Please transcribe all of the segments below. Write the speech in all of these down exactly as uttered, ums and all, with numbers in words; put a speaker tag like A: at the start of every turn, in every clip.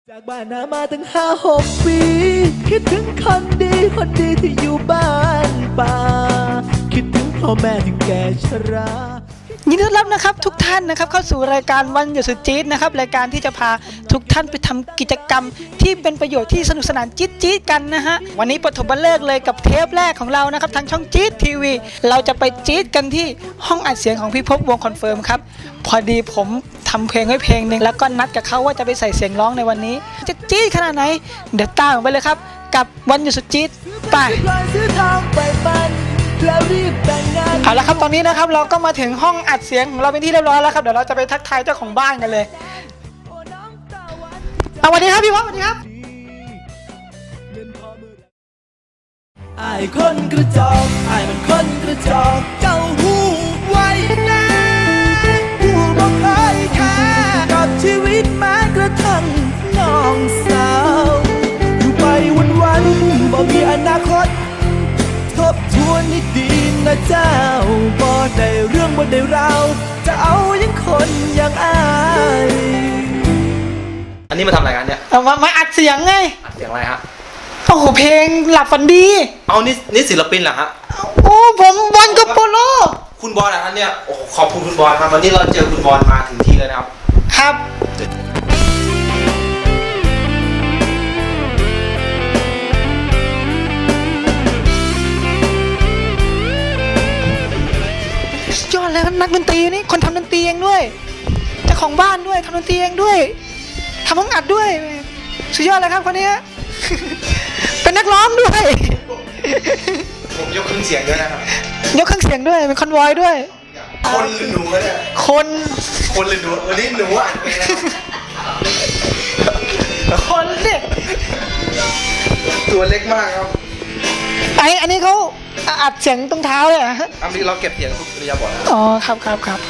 A: จากบ้านนามาตั้งห้าหกปีคิดถึงคนดีคนดีที่อยู่บ้านป่าคิดถึงพ่อแม่ที่แก่ชรา
B: ยินดีต้อนรับนะครับทุกท่านนะครับเข้าสู่รายการวันหยุดสุดจี๊ดนะครับรายการที่จะพาทุกท่านไปทำกิจกรรมที่เป็นประโยชน์ที่สนุกสนานจี๊ดจี๊ดกันนะฮะวันนี้ปฐมฤกษ์เลยกับเทปแรกของเรานะครับทางช่องจี๊ดทีวีเราจะไปจี๊ดกันที่ห้องอัดเสียงของพี่ภพวงคอนเฟิร์มครับพอดีผมทำเพลงไว้เพลงหนึ่งแล้วก็นัดกับเขาว่าจะไปใส่เสียงร้องในวันนี้จะจี๊ดขนาดไหนเดี๋ยวตามไปเลยครับกับวันหยุดสุดจี๊ดไปเอาละครับตอนนี้นะครับเราก็มาถึงห้องอัดเสียงของเราเป็นที่เรียบร้อยแล้วครับเดี๋ยวเราจะไปทักทายเจ้าของบ้านกันเลยสวัสดีครับพี่พ่อสวัสดีครับ
A: ไอ้คนกระจอกไอ้มันคนกระจอกเจ้าหูไว้นะหูบอกเคยค่ากับชีวิตแม้กระทั่งน้องสาวอยู่ไปวันวันบ่มีอนาคตทบทวนให้ดีนะเจ้าบ่ได้เรื่องบ่ได้ราวจะเอายังคนอย่างอาย
C: อันนี้มาทำอะไรกันเนี่ย
B: เอามามาอัดเสียงไง
C: อัดเสียงอะไรฮะ
B: โอ้โหเพลงหลับฝันดี
C: เอานี่นี่ศิลปินเหรอฮะ
B: โอ้ผมบอลกับโปโล
C: คุณบอลนะฮะเนี่ยโอ้ขอบคุณคุณบอลครับวันนี้เราเจอคุณบอลมาถึงที่เลยนะครับ
B: ครับยอดเลยนักดนตรีนี่คนทำดนตรีเองด้วยเจ้าของบ้านด้วยทำดนตรีเองด้วยทำห้องอัดด้วยสุดยอดเลยครับคนนี้เป็นนักร้องด้วย
C: ผมยกเครื่องเสียงด้วยนะครับ
B: ยกเครื่องเสียงด้วยเป็นคอนวอยด้วย
C: คนหรือหนูเนี่ย
B: คน
C: คนหรือหนูวันนี้หนูอ่ะ
B: คนเนี่ย
C: ตัวเล็กมากครับ
B: ไออันนี้เขาอัดเสียงตรงเท้าเลยอ่ะ
C: อันนี้เราเก็บเสียงทุกระยะบท
B: อ๋อครับครับครับ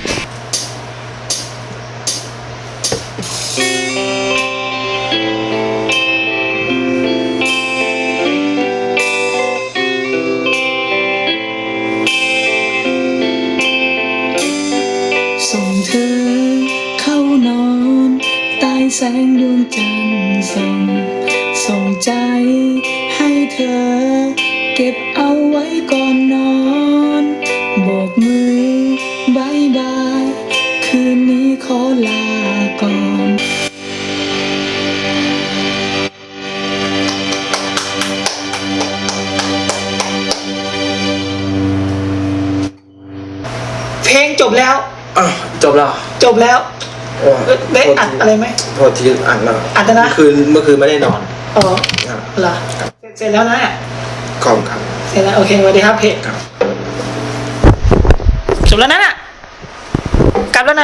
D: ส่งเธอเข้านอนใต้แสงดวงจันทร์ส่องส่งใจให้เธอเก็บเอาไว้ก่อนนอนโบกมือบายบายคืนนี้ขอลาก่อน
B: เพลงจบแล้ว
C: จบแล้ว
B: จบแล้วได้อัดอะไรไหม
C: โทษทีอัดแล้ว
B: อัดนะ
C: เมื่อคืนเมื่อคืนไม่ได้นอน
B: อ๋อเหรอเสร็จแล้วนะ
C: ขอบครับ
B: เสร็จแล้วโอเคสวัสดีครับเพจจบแล้วนะน่ะกลับแล้ว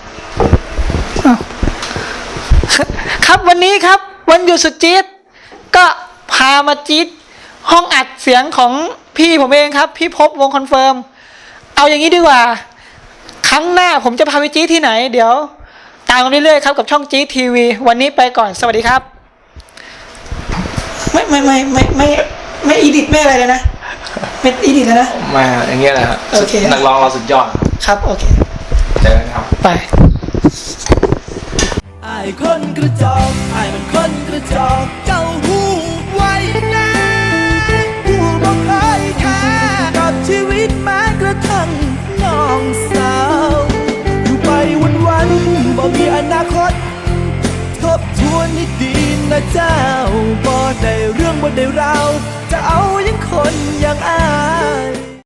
B: นะครับวันนี้ครับวันหยุดสุดจี๊ดก็พามาจี๊ดห้องอัดเสียงของพี่ผมเองครับพี่ภพวงคอนเฟิร์มเอาอย่างนี้ดีกว่าครั้งหน้าผมจะพาไปจี๊ดที่ไหนเดี๋ยวตามกันเรื่อยๆครับกับช่องจี๊ดทีวีวันนี้ไปก่อนสวัสดีครับไม่ไม่ไม่ไม่ไม่ไม่อีดิทไม่อะไรเลยนะไม่อีดิทแล้วนะ
C: มาอย่างเงี้ยแหละครับ
B: โอเค
C: นักร้องเราสุดยอด
B: ครับโอเค
C: เจอกันครับ
B: ไป
A: ไอ้คนกระจอกไอ้มันคนกระจอกเจ้าหูไว้นะหูบอกเคยค่ากับชีวิตแม้กระทั่งน้องสาวอยู่ไปวันวันบ่มีอนาคตทบทวนให้ดีนะเจ้าบ่ได้เรื่องบ่ได้ราวจะเอายังคนอย่างอาย